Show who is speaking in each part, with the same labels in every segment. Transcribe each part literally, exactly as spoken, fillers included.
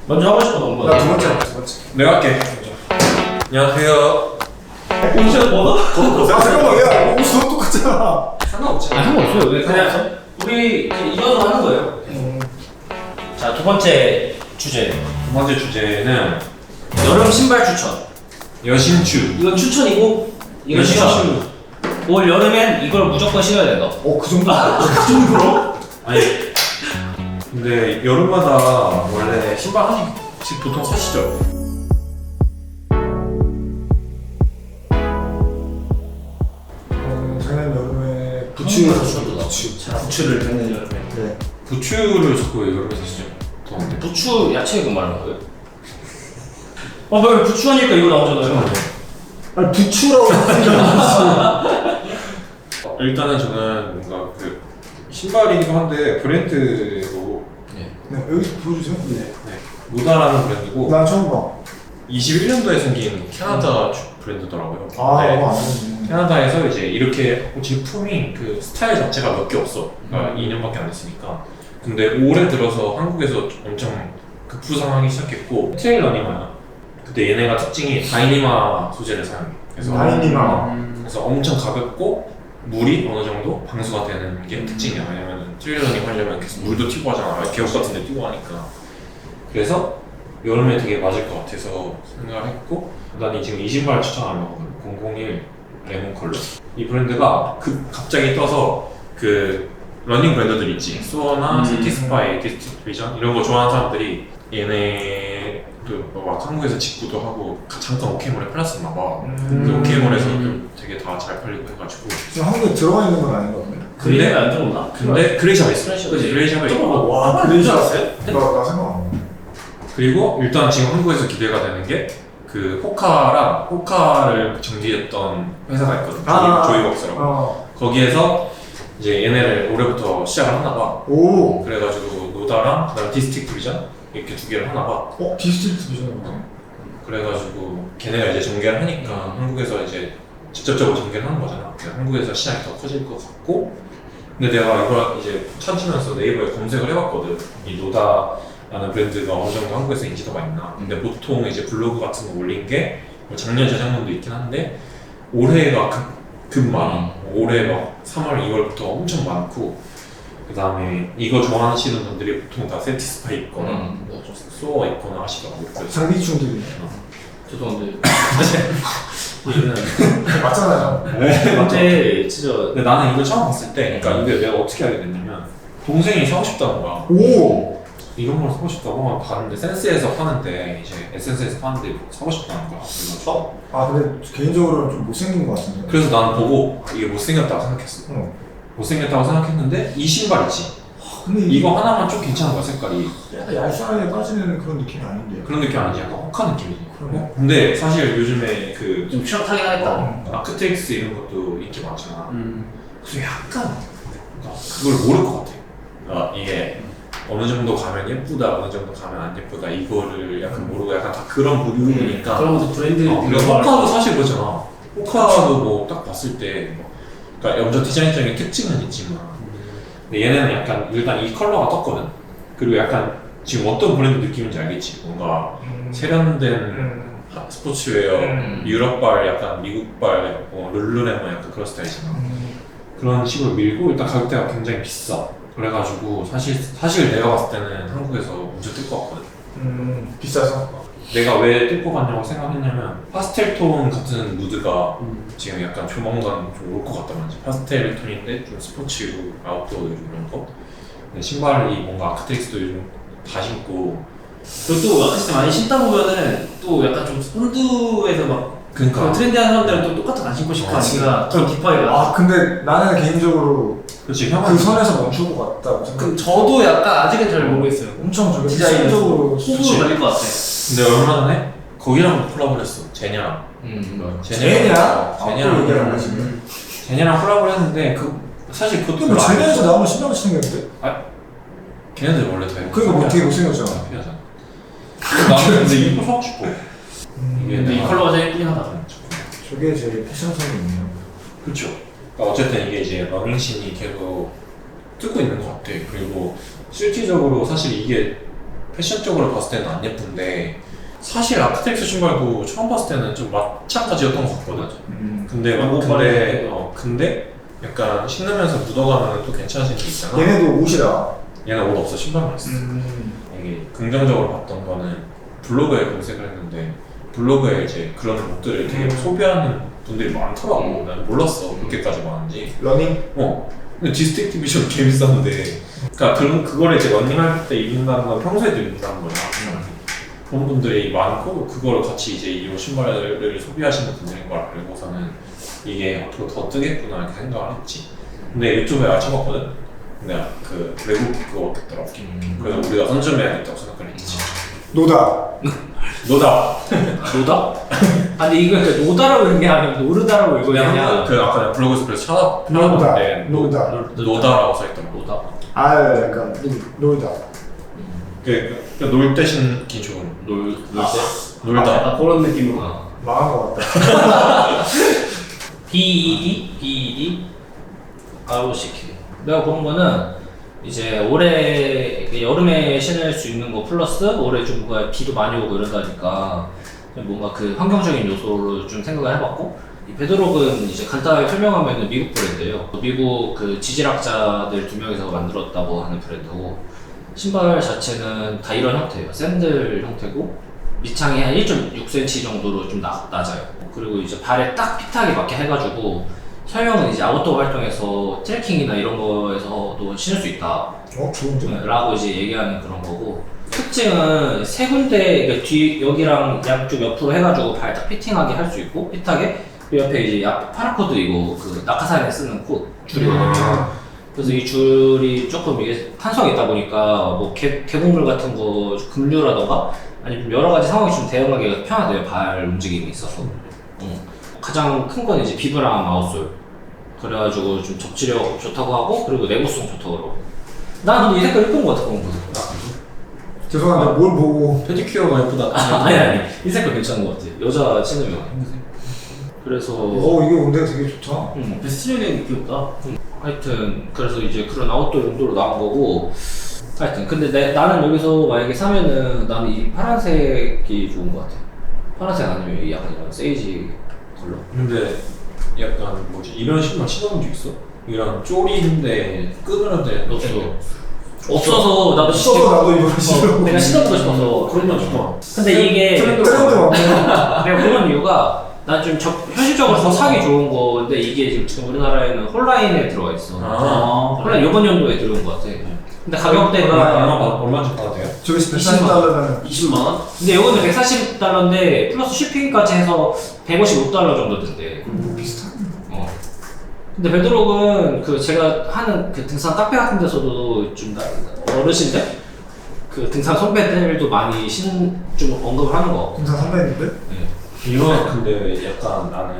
Speaker 1: 먼저 하고 싶어 넘버.
Speaker 2: 나 두 번째, 두 번째.
Speaker 3: 내가 할게. 안녕하세요.
Speaker 1: 옷을 벗어?
Speaker 2: 야, 잠깐만, 야, 옷이 너무 똑같잖아.
Speaker 3: 상관없지.
Speaker 1: 아 상관없어요. 왜 그냥 우리 이어서 하는 거예요.
Speaker 2: 음.
Speaker 1: 자, 두 번째 주제.
Speaker 3: 두 번째 주제는
Speaker 1: 여름 신발 추천.
Speaker 3: 여신추.
Speaker 1: 이건 추천이고 이건 추천. 올 여름엔 이걸 무조건 신어야 된다.
Speaker 2: 어, 그 정도? 그 정도로?
Speaker 3: 아니 근데 여름마다 원래 신발 하나씩 보통 사시죠?
Speaker 2: 어, 작년 여름에 부추를 샀어, 부추.
Speaker 1: 자, 부추를 작년 여름에.
Speaker 2: 그래.
Speaker 3: 부추를 자꾸 왜 여름에 사시죠? 더운데.
Speaker 1: 부추 야채 그 말하는 거예요? 아, 왜 부추하니까 이거 나오잖아요.
Speaker 2: 아니, 부추라고 생각했어.
Speaker 3: 일단은 저는 뭔가 그 신발이기도 한데 브랜드로
Speaker 1: 네.
Speaker 2: 네, 여기 보여주세요. 네.
Speaker 3: 네, 노다라는 브랜드고
Speaker 2: 난 처음 봐.
Speaker 3: 이십일 년도에 생긴 캐나다 브랜드더라고요.
Speaker 2: 아,
Speaker 3: 네.
Speaker 2: 이거 안 되네.
Speaker 3: 캐나다에서 이제 이렇게 제품이 그 스타일 자체가 몇 개 없어. 그러니까
Speaker 1: 음.
Speaker 3: 이 년밖에 안 됐으니까. 근데 올해 들어서 한국에서 엄청 급부상하기 시작했고 트레일러니마야. 그때 얘네가 특징이 다이니마 소재를 사용해. 그래서
Speaker 2: 다이니마.
Speaker 1: 음.
Speaker 3: 그래서 엄청 가볍고 물이 어느 정도 방수가 되는 게 특징이야. 왜냐면 트레일러닝 하려면 계속 물도 튀고 하잖아. 계곡 같은 데 뛰고 하니까. 그래서 여름에 되게 맞을 것 같아서 생각을 했고 난 지금 이 신발 추천하려고 공공일 레몬 컬러. 이 브랜드가 그 갑자기 떠서 그 러닝 브랜드들 있지. 수어나
Speaker 1: 음.
Speaker 3: 시티스파이, 디스트리비전 이런 거 좋아하는 사람들이 얘네도 막 한국에서 직구도 하고 잠깐 오케이몰에 팔렸었나 봐.
Speaker 2: 음.
Speaker 3: 그 오케이몰에서 좀 되게 다 잘 팔리고 해가지고.
Speaker 2: 지금 한국에 들어가 있는 건 아닌 것 같네.
Speaker 1: 그림에 안 들어오나?
Speaker 3: 근데 그레이샵에 있어.
Speaker 1: 그레이샵.
Speaker 3: 그치, 그레이샵에
Speaker 1: 조금
Speaker 3: 있고.
Speaker 2: 와,
Speaker 1: 그줄 알았어요?
Speaker 2: 나, 나 생각 안 나.
Speaker 3: 그리고 일단 지금 한국에서 기대가 되는 게 그 호카랑 호카를 정지했던 회사가 있거든.
Speaker 2: 아.
Speaker 3: 조이, 조이웍스라고.
Speaker 2: 어.
Speaker 3: 거기에서 이제 얘네를 올해부터 시작을 하나 봐.
Speaker 2: 오.
Speaker 3: 그래가지고 노다랑 그다음 디스틱 디비전 이렇게 두 개를 하나 봐.
Speaker 2: 어, 디스트리트 비전은 뭐야?
Speaker 3: 그래가지고 걔네가 이제 전개를 하니까 한국에서 이제 직접적으로 전개를 하는 거잖아. 그래서 한국에서 시장이 더 커질 것 같고. 근데 내가 이걸 이제 찾으면서 네이버에 검색을 해봤거든. 이 노다라는 브랜드가 어느 정도 한국에서 인지도가 있나. 근데 보통 이제 블로그 같은 거 올린 게 작년 재작년도 있긴 한데 올해가 급, 급 많아. 올해 막 삼월, 이월부터 엄청 많고 그 다음에 이거 좋아하시는 분들이 보통 다 세티스파이 있거나
Speaker 1: 음.
Speaker 3: 뭐 소어 있거나 하시더라고요. 그래서
Speaker 2: 장비충들이.
Speaker 1: 죄송한데 이거는
Speaker 2: 맞잖아요.
Speaker 1: 근데 진짜
Speaker 3: 근데 나는 이거 처음 봤을 때 그러니까 이게 내가 어떻게 알게 됐냐면 동생이 사고 싶다는 거야.
Speaker 2: 오.
Speaker 3: 이런 걸 사고 싶다고 봤는데 센스에서 파는데 이제 에센스에서 파는데 사고 싶다는 거야. 그래서,
Speaker 2: 아, 근데 개인적으로는 좀 못생긴 것 같은데.
Speaker 3: 그래서 나는 보고 이게 못생겼다고 생각했어.
Speaker 2: 어.
Speaker 3: 못생겼다고 생각했는데 이 신발 있지.
Speaker 2: 근데
Speaker 3: 이거 하나만 좀 괜찮은 거야 색깔이.
Speaker 2: 약간 얄쌍하게 빠지는 그런 느낌이 아닌데.
Speaker 3: 그런 느낌 아니지? 약간 혹한 느낌이지.
Speaker 2: 그러네.
Speaker 3: 어? 근데 사실 요즘에 그
Speaker 1: 좀 추락하긴 하겠다.
Speaker 2: 어.
Speaker 3: 아크텍스 이런 것도 인기 많잖아.
Speaker 1: 음.
Speaker 3: 그래서 약간 그러니까 그걸 모를 것 같아. 어, 이게 어느 정도 가면 예쁘다, 어느 정도 가면 안 예쁘다 이거를 약간 모르고 약간 다 그런 부류니까.
Speaker 1: 그런 것도 브랜드
Speaker 3: 어, 그리고 호카도 사실 그렇잖아. 호카도 뭐 딱 봤을 때 뭐, 그러니까 염전 디자인적인 특징은 있지만 근데 얘네는 약간 일단 이 컬러가 떴거든. 그리고 약간 지금 어떤 브랜드 느낌인지 알겠지? 뭔가
Speaker 2: 음.
Speaker 3: 세련된
Speaker 2: 음.
Speaker 3: 하- 스포츠웨어,
Speaker 2: 음.
Speaker 3: 유럽발, 약간 미국발, 뭐 룰루레몬 약간 그런 스타일이잖아.
Speaker 2: 음.
Speaker 3: 그런 식으로 밀고 일단 가격대가 굉장히 비싸. 그래가지고 사실 사실 내가 봤을 때는 한국에서 먼저 뜰 것 같거든.
Speaker 2: 음. 비싸서?
Speaker 3: 내가 왜 뜰 것 같냐고 생각했냐면 파스텔 톤 같은 무드가
Speaker 1: 음.
Speaker 3: 지금 약간 조만간 좀 올 것 같단 말이지. 파스텔 톤인데 좀 스포츠로 아웃도어 요즘 이런 거. 근데 신발이 뭔가 아크텍스도 요즘 다 신고.
Speaker 1: 그리고 또 아까 진짜 많이 신다 보면은 또 약간 좀 본드에서 막
Speaker 3: 그러니까
Speaker 1: 그런 트렌디한 사람들은 또 똑같은 안 신고 싶어
Speaker 3: 어,
Speaker 1: 하니까 좀 딥하게 가.
Speaker 2: 아, 근데 나는 개인적으로
Speaker 3: 그렇지
Speaker 2: 그
Speaker 3: 형은
Speaker 2: 선에서 멈출 것 같다고 생각.
Speaker 1: 그 저도 약간 아직은 잘 모르겠어요.
Speaker 2: 엄청 저게
Speaker 1: 디자인적으로
Speaker 2: 디자인적으로
Speaker 1: 호불호 갈릴 것 같아.
Speaker 3: 근데 얼마 전에 거기랑 콜라보를 했어. 제냐랑.
Speaker 1: 음.
Speaker 2: 제냐?
Speaker 3: 어,
Speaker 2: 아, 또
Speaker 3: 제냐랑
Speaker 2: 얘기하는 거지 지금.
Speaker 3: 제냐랑 콜라보를 했는데 그 사실 그것도
Speaker 2: 근데 뭐
Speaker 3: 별로 안
Speaker 2: 제네에서
Speaker 3: 했어.
Speaker 2: 나오면 신경 생겼는데?
Speaker 3: 걔네들 원래 다
Speaker 2: 그러니까 뭐 되게 못생겼잖아.
Speaker 3: 피하잖아. 나는 근데 이거 사고 싶어. 이게
Speaker 1: 근데 이
Speaker 3: 내가-
Speaker 1: 컬러가 제일 예쁘긴 하다.
Speaker 2: 저게 제일 패션성이 있네요.
Speaker 3: 그렇죠. 그러니까 어쨌든 이게 이제 러닝씬이 계속 뜨고 있는 것 같아. 그리고 실질적으로 사실 이게 패션적으로 봤을 때는 안 예쁜데 사실 아크텍스 신발도 처음 봤을 때는 좀 마찬가지였던 것 같거든.
Speaker 2: 음.
Speaker 3: 근데 막
Speaker 1: 너무
Speaker 3: 근데
Speaker 1: 빠르게.
Speaker 3: 어 근데 약간 신으면서 묻어가면 또 괜찮아진 게 있잖아.
Speaker 2: 얘네도 옷이라.
Speaker 3: 얘는 옷 없어, 신발만 있어.
Speaker 2: 음.
Speaker 3: 이게 긍정적으로 봤던 거는 블로그에 검색을 했는데 블로그에 이제 그런 옷들을 되게
Speaker 2: 음.
Speaker 3: 소비하는 분들이 많더라고. 난 몰랐어 그렇게까지 많은지.
Speaker 2: 러닝?
Speaker 3: 어. 근데 디스틱티비션 개 비쌌는데 그러니까 그, 그거를 이제 런닝할 때 입는다는 건 평소에도 입는다는 거야. 그런 분들이 많고 그걸 같이 이제 이 신발을 소비하시는 분들인 걸 알고서는 이게 앞으로 더 뜨겠구나 이렇게 생각을 했지. 근데 유튜브에 알아봤거든. 근데 그 외국 그거 같더라고. 그래서 우리가 선점해야겠다고 생각을 했지.
Speaker 2: 노다.
Speaker 3: 노다.
Speaker 1: 노다? 아니 이거 노다라고 읽는 게 아니라 노르다라고 읽어야
Speaker 3: 그냥
Speaker 1: 되냐?
Speaker 3: 그 아까 내가 블로그에서 그래서 찾아
Speaker 2: 노다.
Speaker 3: 찾아봤는데
Speaker 2: 노다.
Speaker 3: 노- 노다라고 써있더라고.
Speaker 1: 노다?
Speaker 2: 아 약간 노다.
Speaker 3: 그, 그, 놀 대신 기 좋은
Speaker 1: 놀, 놀 때?
Speaker 3: 놀다.
Speaker 1: 아, 그런 느낌으로. 아.
Speaker 2: 망한 것 같다.
Speaker 1: 비 이 디? 비 이 디? 아로시키. 내가 본 거는 이제 올해 여름에 신을 수 있는 거 플러스 올해 좀 뭔가 비도 많이 오고 이러다니까 좀 뭔가 그 환경적인 요소로 좀 생각을 해봤고 이 베드록은 이제 간단하게 설명하면 미국 브랜드예요. 미국 그 지질학자들 두 명이서 만들었다고 하는 브랜드고 신발 자체는 다 이런 형태예요. 샌들 형태고 밑창이 한 일 점 육 센티미터 정도로 좀 나, 낮아요. 그리고 이제 발에 딱 핏하게 맞게 해가지고 설명은 이제 아웃도어 활동에서 트레킹이나 이런 거에서도 신을 수 있다
Speaker 2: 어 좋은데.
Speaker 1: 라고 이제 얘기하는 그런 거고 특징은 세 군데 그러니까 뒤 여기랑 양쪽 옆으로 해가지고 발 딱 피팅하게 할 수 있고 핏하게 그 옆에 이제 약 파라코드 이거 그 낙하산에 쓰는 콧 줄이거든요.
Speaker 2: 음.
Speaker 1: 그래서 이 줄이 조금 이게 탄성이 있다 보니까 뭐 개, 개곡물 같은 거 급류라던가 아니면 여러 가지 상황이 좀 대응하기가 편하대요. 발 움직임이 있어서. 음. 가장 큰 건 이제 비브랑 아웃솔. 그래가지고 좀 접지력 좋다고 하고 그리고 내구성 좋다고 그러고. 난 근데 이 색깔 예쁜 거 같아. 그런 거.
Speaker 2: 죄송한데 뭘 보고.
Speaker 3: 페디큐어가 예쁘다.
Speaker 1: 아, 아니 아니 이 색깔 괜찮은 거 같아. 여자 신으면. 그래서
Speaker 2: 어 이게 근데 되게 좋다.
Speaker 1: 음, 스틸링이 귀엽다. 음. 하여튼 그래서 이제 그런 아웃도어 용도로 나온 거고 하여튼 근데 내, 나는 여기서 만약에 사면은 나는 이 파란색이 좋은 거 같아. 파란색 아니면 이 약간 이런 세이지 컬러.
Speaker 3: 근데 약간 뭐지 이런 신발 신어본 적 있어? 이런 쪼리인데 끄그러들
Speaker 1: 없어. 없어서 나도
Speaker 2: 써서 나도 이거 싫어.
Speaker 1: 어, 내가 신어보고 싶어서
Speaker 3: 그런 건 좋아.
Speaker 1: 근데 이게
Speaker 2: 트렌드 맞네.
Speaker 1: 내가 그런 이유가 난 좀 현실적으로 더 사기 좋은 건데 이게 지금 우리나라에는 홀라인에 들어가 있어.
Speaker 3: 아,
Speaker 1: 홀라인 이번 연도에 들어온 거 같아. 근데
Speaker 3: 얼마
Speaker 1: 가격대가
Speaker 3: 받 얼마인지 받아도 돼요?
Speaker 2: 저기 백사십 달러면
Speaker 1: 이십만 원? 근데 이거는 백사십 달러인데 플러스 쉬핑까지 해서 백오십오 달러 정도 든대.
Speaker 2: 뭐 비슷하네.
Speaker 1: 어. 근데 베드록은 그 제가 하는 그 등산 카페 같은 데서도 좀 나- 어르신들 그 등산 선배들도 많이 신 좀 언급을 하는 거 같고.
Speaker 2: 등산 선배님들?
Speaker 1: 네.
Speaker 3: 이거 근데 약간 나는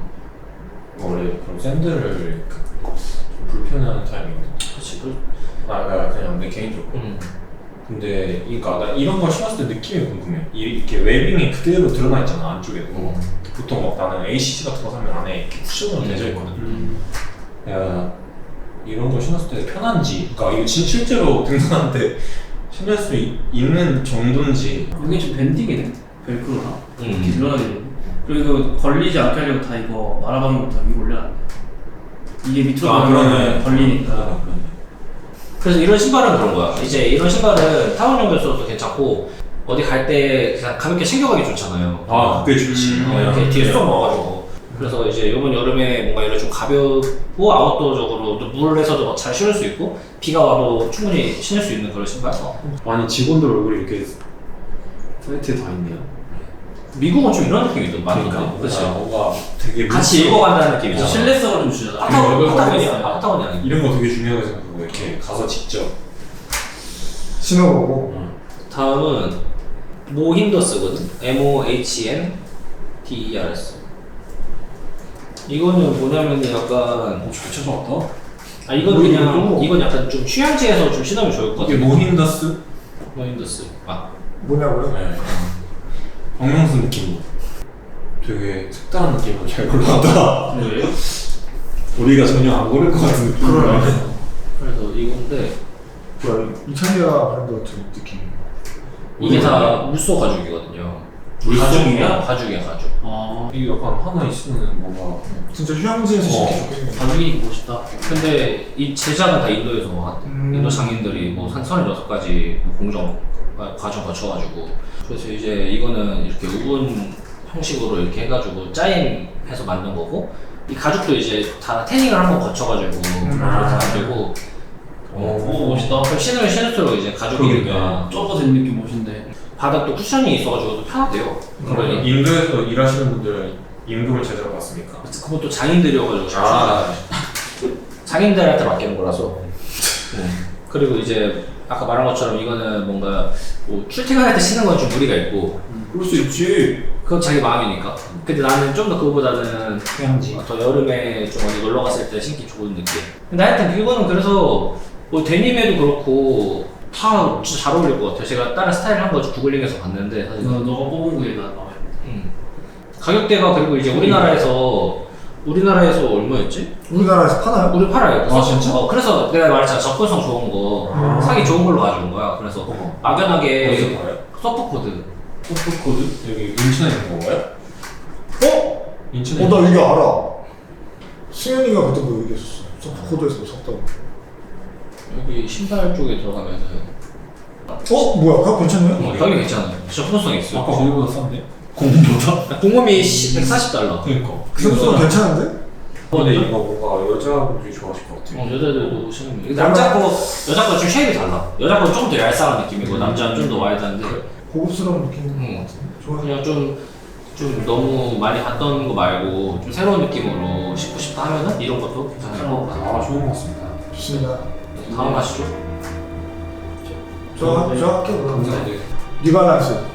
Speaker 3: 원래 그런 샌들을 그- 좀 불편해하는 타입이거든.
Speaker 1: 그렇지. 그,
Speaker 3: 아, 나 그냥 내 개인적으로.
Speaker 1: 음.
Speaker 3: 근데 그러니까 나 이런 걸 신었을 때 느낌이 궁금해. 이- 이렇게 웨빙이 그대로 드러나 있잖아 안쪽에도. 보통 막 나는 에이씨씨 같은 거 사면 안에 이렇게 쿠션으로 되져 있거든.
Speaker 1: 음.
Speaker 3: 야 이런 거 신었을 때 편한지, 그러니까 이거 진 실제로 등산할 때 신을 수 있, 있는 정도인지.
Speaker 4: 이게 좀 밴딩이네. 벨크로나 이렇게
Speaker 1: 음.
Speaker 4: 늘어나게 되고 그리고 걸리지 않게 하려고 다 이거 말아박는 거다 위로 올려놨네. 이게 밑으로
Speaker 3: 아,
Speaker 4: 들어가면
Speaker 3: 그러네.
Speaker 4: 걸리니까.
Speaker 3: 그러네, 그러네.
Speaker 1: 그래서 이런 신발은 그런 거야. 이제 이런 신발은 타운용으로 써도 괜찮고 어디 갈 때 그냥 가볍게 챙겨가기 좋잖아요.
Speaker 3: 아 그게 좋지.
Speaker 1: 어, 이렇게 뒤에 쏙 넣어가지고. 그래서 이제 이번 여름에 뭔가 이런 좀 가볍고 아웃도어적으로 또 물에서도 잘 신을 수 있고 비가 와도 충분히 신을 수 있는 그런 신발.
Speaker 3: 아니 직원들 얼굴이 이렇게 사이트에 다 있네요.
Speaker 1: 미국은 좀 이런 느낌이든 많이
Speaker 3: 그러니까
Speaker 1: 있네. 그렇지.
Speaker 3: 뭔가 되게
Speaker 1: 같이
Speaker 3: 물속-
Speaker 1: 읽어간다는 느낌이잖아.
Speaker 4: 신뢰성을 좀 주잖아.
Speaker 1: 파타고니아,
Speaker 3: 이거
Speaker 1: 파타고니아,
Speaker 3: 이거
Speaker 1: 파타고니아 아니야.
Speaker 3: 이런 거 되게 중요하게 생각하고 이렇게 가서 직접.
Speaker 2: 신어보고.
Speaker 1: 다음은 모힌더스거든. 엠 오 에이치 엔 디 이 알 에스. 이거는 뭐냐면 약간
Speaker 3: 잘 찾아왔다.
Speaker 1: 아 이건
Speaker 2: 뭐
Speaker 1: 그냥
Speaker 2: 이거?
Speaker 1: 이건 약간 좀 휴양지에서 좀 신으면 좋을 것
Speaker 3: 이게
Speaker 1: 같아.
Speaker 3: 모힌더스?
Speaker 1: 모힌더스. 아
Speaker 2: 뭐냐고요?
Speaker 3: 네. 박명수 느낌으로. 되게 색다른 느낌으로 잘 골랐다.
Speaker 1: 그래요?
Speaker 3: 우리가 전혀 안 고를 것 같은 느낌.
Speaker 2: 그러네.
Speaker 1: 그래서 이건데
Speaker 2: 뭐야 이탈리아 브랜드 같은 느낌.
Speaker 1: 이게 다 물소 가죽이거든요.
Speaker 4: 가죽이야?
Speaker 1: 가죽이야 가죽.
Speaker 4: 아,
Speaker 3: 이게 약간 하나 있으면 뭔가
Speaker 2: 진짜 휴양지에서
Speaker 3: 어.
Speaker 2: 신기 좋겠네.
Speaker 4: 가죽이니까 멋있다.
Speaker 1: 근데 이 제작은 다 인도에서 왔대.
Speaker 2: 음.
Speaker 1: 인도 장인들이 뭐한 서른여섯 가지 공정 아, 과정 거쳐가지고 그래서 이제 이거는 이렇게 우분 형식으로 이렇게 해가지고 짜임해서 만든 거고 이 가죽도 이제 다 태닝을 한번 거쳐가지고
Speaker 2: 음.
Speaker 1: 그렇게 만들고
Speaker 4: 오, 멋있다.
Speaker 1: 그럼 신으면 신을수록 이제 가죽이니까
Speaker 4: 좁아진 느낌 멋있네.
Speaker 1: 바닥도 쿠션이 있어가지고 또 편하대요. 그러니까
Speaker 3: 인도에서 일하시는 분들은 임금을 제대로 받습니까?
Speaker 1: 그것도 장인들이어가지고 잘
Speaker 3: 아.
Speaker 1: 장인들한테 맡기는 거라서. 음. 그리고 이제 아까 말한 것처럼 이거는 뭔가 뭐 출퇴근할 때 신는 건 좀 무리가 있고
Speaker 2: 그럴 수 있지.
Speaker 1: 그건 자기 마음이니까. 근데 나는 좀 더 그거보다는
Speaker 2: 휴양지.
Speaker 1: 더 여름에 좀 어디 놀러 갔을 때 신기 좋은 느낌. 근데 하여튼 이거는 그래서 뭐 데님에도 그렇고 다 진짜 잘 어울릴 것 같아요. 제가 다른 스타일 한 거 구글링해서 봤는데 사실.
Speaker 4: 너, 너가 뽑은 거에 나 나와요.
Speaker 1: 음. 가격대가 그리고 이제 우리나라에서 우리나라에서 얼마였지?
Speaker 2: 우리나라에서 파나요?
Speaker 1: 우리 팔아요.
Speaker 3: 아, 진짜?
Speaker 1: 어, 그래서 내가 말했잖아. 접근성 좋은 거
Speaker 2: 음.
Speaker 1: 사기 좋은 걸로 가져온 거야. 그래서
Speaker 3: 어.
Speaker 1: 막연하게
Speaker 3: 어디서 봐요?
Speaker 1: 서프코드.
Speaker 3: 소프코드? 여기 인천에 있는 건가요?
Speaker 2: 어?
Speaker 3: 인천에
Speaker 2: 어, 나 이거 알아. 승현이가 그때 뭐 얘기했었어. 서프코드에서 뭐 샀다고.
Speaker 1: 여기 신발 쪽에 들어가면은
Speaker 2: 어? 뭐야? 그거 괜찮네?
Speaker 1: 어, 가격이 괜찮아요. 접근성 있어.
Speaker 3: 아까 거기보다 싼데?
Speaker 1: 공홈보다? 공홈이 백사십 달러.
Speaker 3: 그니까
Speaker 2: 생각보다 괜찮은데?
Speaker 3: 근데 이거 뭔가 여자분들이 좋아하실 것 같아.
Speaker 1: 어, 여자들도 신으면. 근데 남자 거, 여자 거 좀 쉐입이 달라. 여자 거는 좀 더 얄쌍한 느낌이고, 남자는 좀 더 와일드한데,
Speaker 2: 고급스러운 느낌인 것
Speaker 1: 음.
Speaker 2: 같은데. 좋아.
Speaker 1: 그냥 좀, 좀 너무 많이 봤던 거 말고, 좀 새로운 느낌으로 신고 싶다 하면은 이런 것도 괜찮을 것 같아요.
Speaker 3: 아 좋은 것 같습니다.
Speaker 2: 좋습니다.
Speaker 1: 다음 하시죠.
Speaker 2: 저, 저 할게요, 그럼.
Speaker 3: 감사합니다.
Speaker 2: 리발란스.